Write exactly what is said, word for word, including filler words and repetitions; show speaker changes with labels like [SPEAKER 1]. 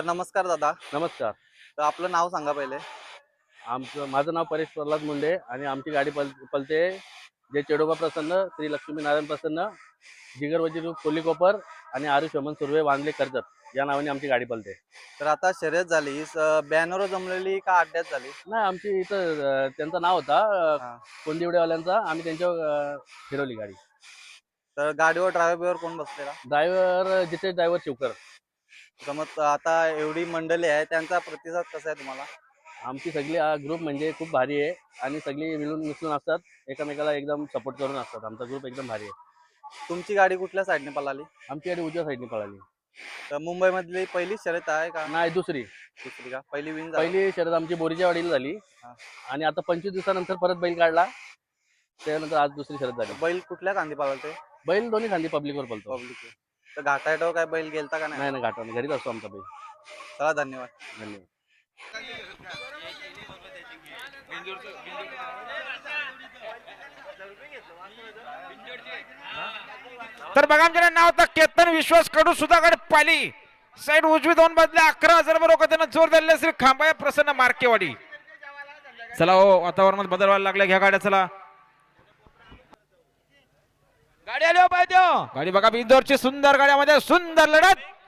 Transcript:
[SPEAKER 1] तर नमस्कार दादा.
[SPEAKER 2] नमस्कार.
[SPEAKER 1] तर आपलं नाव सांगा पहिले.
[SPEAKER 2] आमचं माझं नाव परेश प्रल्हाद मुंडे आणि आमची गाडी पल पलते जे चेडोबा प्रसन्न, श्री लक्ष्मी नारायण प्रसन्न, जिगर वजीर कोल्लीकोपर आणि आरुष शोमन सुर्वे वांगले कर्जत या नावाने आमची गाडी पलते.
[SPEAKER 1] तर आता शर्यत झाली, बॅनर जमलेली का अड्ड्यात झाली?
[SPEAKER 2] नाही, आमची इथं अं, त्यांचं नाव होता अं,
[SPEAKER 1] हा.
[SPEAKER 2] कोंदिवडेवाल्यांचा. आम्ही त्यांच्यावर अं, फिरवली गाडी.
[SPEAKER 1] तर गाडीवर ड्रायव्हर बिवर कोण बसलेला?
[SPEAKER 2] ड्रायव्हर जिथे ड्रायव्हर शिवकर.
[SPEAKER 1] समज आता एवढी मंडळी आहे, त्यांचा प्रतिसाद कसा आहे तुम्हाला?
[SPEAKER 2] आमची सगळी ग्रुप म्हणजे खूप भारी आहे आणि सगळी मिळून मिसळून असतात, एकमेकाला एकदम सपोर्ट करून असतात. आमचा ग्रुप एकदम भारी आहे.
[SPEAKER 1] तुमची गाडी कुठल्या साईडने पळाली?
[SPEAKER 2] आमची गाडी उजव्या साईडने पळाली.
[SPEAKER 1] तर मुंबईमधली पहिली शर्यत आहे का?
[SPEAKER 2] नाही, दुसरी.
[SPEAKER 1] दुसरी का? पहिली विन झाली?
[SPEAKER 2] पहिली शर्यत आमची बोरीच्या वाडीला झाली
[SPEAKER 1] हा.
[SPEAKER 2] आणि आता पंचवीस दिवसानंतर परत बैल काढला. त्यानंतर आज दुसरी शर्यत झाली.
[SPEAKER 1] बैल कुठल्या खांदी पळालते?
[SPEAKER 2] बैल दोन्ही खांदी पब्लिकवर पळतो.
[SPEAKER 1] पब्लिक. तर घाटायटावर काय बैल गेलता का नाही?
[SPEAKER 2] नाही नाही, घाटाने घरीच असतो आमचा बैल.
[SPEAKER 1] चला, धन्यवाद.
[SPEAKER 2] धन्यवाद.
[SPEAKER 3] तर बघा आमच्या नाव होतं केतन विश्वास कडू सुधागड पाली साईड उजवी दोन बदले अकरा हजार बरोबर त्यांना जोर दिले श्री खांबाया प्रसन्न मार्केवाडी. चला हो, वातावरणात बदल व्हायला लागला. घ्या गाड्या, चला गाडी आली हो पाहिजे. गाडी बघा बिंदोरची सुंदर गाड्यामध्ये सुंदर लढत.